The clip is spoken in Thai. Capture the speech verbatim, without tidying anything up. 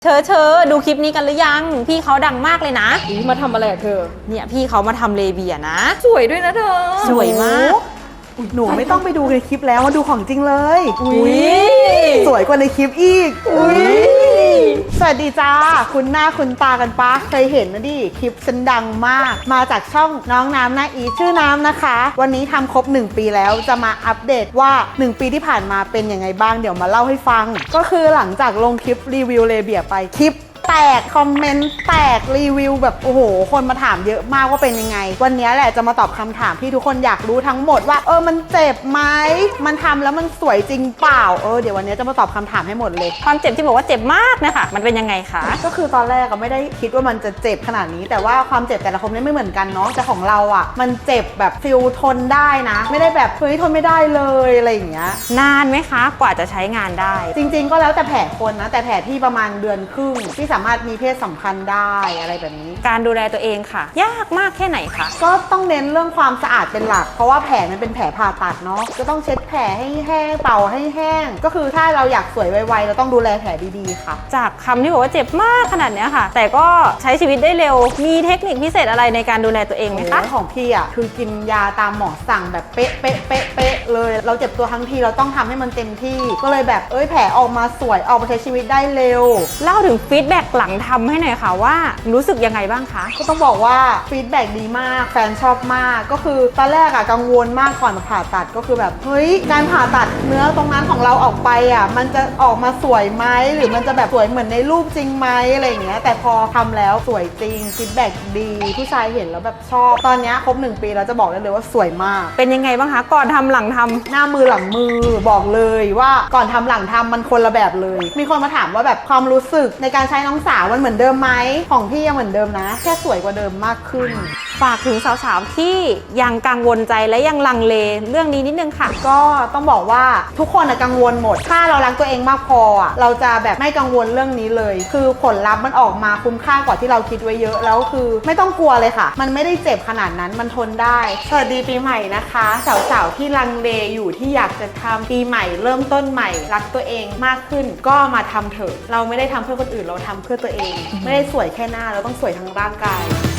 เธอเธอดูคลิปนี้กันหรือยังพี่เขาดังมากเลยนะมาทำอะไรอะเธอเนี่ยพี่เขามาทำเลเบียนะสวยด้วยนะเธอสวยมากหนูไม่ต้องไปดูในคลิปแล้วมาดูของจริงเลยอุ้ยสวยกว่าในคลิปอีกอุ้ยสวัสดีจ้าคุณหน้าคุณตากันปะเคยเห็นนะดิคลิปฉันดังมากมาจากช่องน้องน้ำนะอีชื่อน้ำนะคะวันนี้ทำครบหนึ่งปีแล้วจะมาอัปเดตว่าหนึ่งปีที่ผ่านมาเป็นยังไงบ้างเดี๋ยวมาเล่าให้ฟังก็คือหลังจากลงคลิปรีวิวเลเบียไปคลิปแตกคอมเมนต์แตกรีวิวแบบโอ้โหคนมาถามเยอะมากว่าเป็นยังไงวันนี้แหละจะมาตอบคำถามที่ทุกคนอยากรู้ทั้งหมดว่าเออมันเจ็บไหมมันทำแล้วมันสวยจริงเปล่าเออเดี๋ยววันนี้จะมาตอบคำถามให้หมดเลยความเจ็บที่บอกว่าเจ็บมากนะคะมันเป็นยังไงคะก็คือตอนแรกก็ไม่ได้คิดว่ามันจะเจ็บขนาดนี้แต่ว่าความเจ็บแต่ละคนไม่เหมือนกันเนาะแต่ของเราอ่ะมันเจ็บแบบฟิลทนได้นะไม่ได้แบบเฮ้ยทนไม่ได้เลยอะไรอย่างเงี้ยนานไหมคะกว่าจะใช้งานได้จริงๆก็แล้วแต่แผลคนนะแต่แผลที่ประมาณเดือนครึ่งที่สามารถมีเพศสัมพันธ์ได้อะไรแบบนี้การดูแลตัวเองค่ะยากมากแค่ไหนคะก็ต้องเน้นเรื่องความสะอาดเป็นหลักเพราะว่าแผลมันเป็นแผลผ่าตัดเนาะก็ต้องเช็ดแผลให้แห้งเป่าให้แห้งก็คือถ้าเราอยากสวยไวๆเราต้องดูแลแผลดีๆค่ะจากคำที่บอกว่าเจ็บมากขนาดนี้ค่ะแต่ก็ใช้ชีวิตได้เร็วมีเทคนิคพิเศษอะไรในการดูแลตัวเองไหมคะของพี่อ่ะคือกินยาตามหมอสั่งแบบเป๊ะเป๊ะเป๊ะเป๊ะเลยเราเจ็บตัวทั้งทีเราต้องทำให้มันเต็มที่ก็เลยแบบเอ้ยแผลออกมาสวยออกมาใช้ชีวิตได้เร็วเล่าถึงฟีดแบ็กหลังทำให้หน่อยค่ะว่ารู้สึกยังไงบ้างคะก็ต้องบอกว่าฟีดแบ็กดีมากแฟนชอบมากก็คือตอนแรกอะกังวลมากก่อนผ่าตัดก็คือแบบเฮ้ยการผ่าตัดเนื้อตรงนั้นของเราออกไปอะมันจะออกมาสวยไหมหรือมันจะแบบสวยเหมือนในรูปจริงไหมอะไรอย่างเงี้ยแต่พอทำแล้วสวยจริงฟีดแบ็กดีผู้ชายเห็นแล้วแบบชอบตอนนี้ครบหนึ่งปีแล้วจะบอกได้เลยว่าสวยมากเป็นยังไงบ้างคะก่อนทำหลังทำหน้ามือหลังมือบอกเลยว่าก่อนทำหลังทำมันคนละแบบเลยมีคนมาถามว่าแบบความรู้สึกในการใช้น้องสาวมันเหมือนเดิมไหมของพี่ยังเหมือนเดิมนะแค่สวยกว่าเดิมมากขึ้นฝากถึงสาวๆที่ยังกังวลใจและยังลังเลเรื่องนี้นิดนึงค่ะก็ต้องบอกว่าทุกคนกังวลหมดถ้าเรารักตัวเองมากพอเราจะแบบไม่กังวลเรื่องนี้เลยคือผลลัพธ์มันออกมาคุ้มค่ากว่าที่เราคิดไว้เยอะแล้วคือไม่ต้องกลัวเลยค่ะมันไม่ได้เจ็บขนาดนั้นมันทนได้สวัสดีปีใหม่นะคะสาวๆที่ลังเลอยู่ที่อยากจะทำปีใหม่เริ่มต้นใหม่รักตัวเองมากขึ้นก็มาทำเถอะเราไม่ได้ทำเพื่อคนอื่นเราทำเพื่อตัวเองไม่ได้สวยแค่หน้าเราต้องสวยทั้งร่างกาย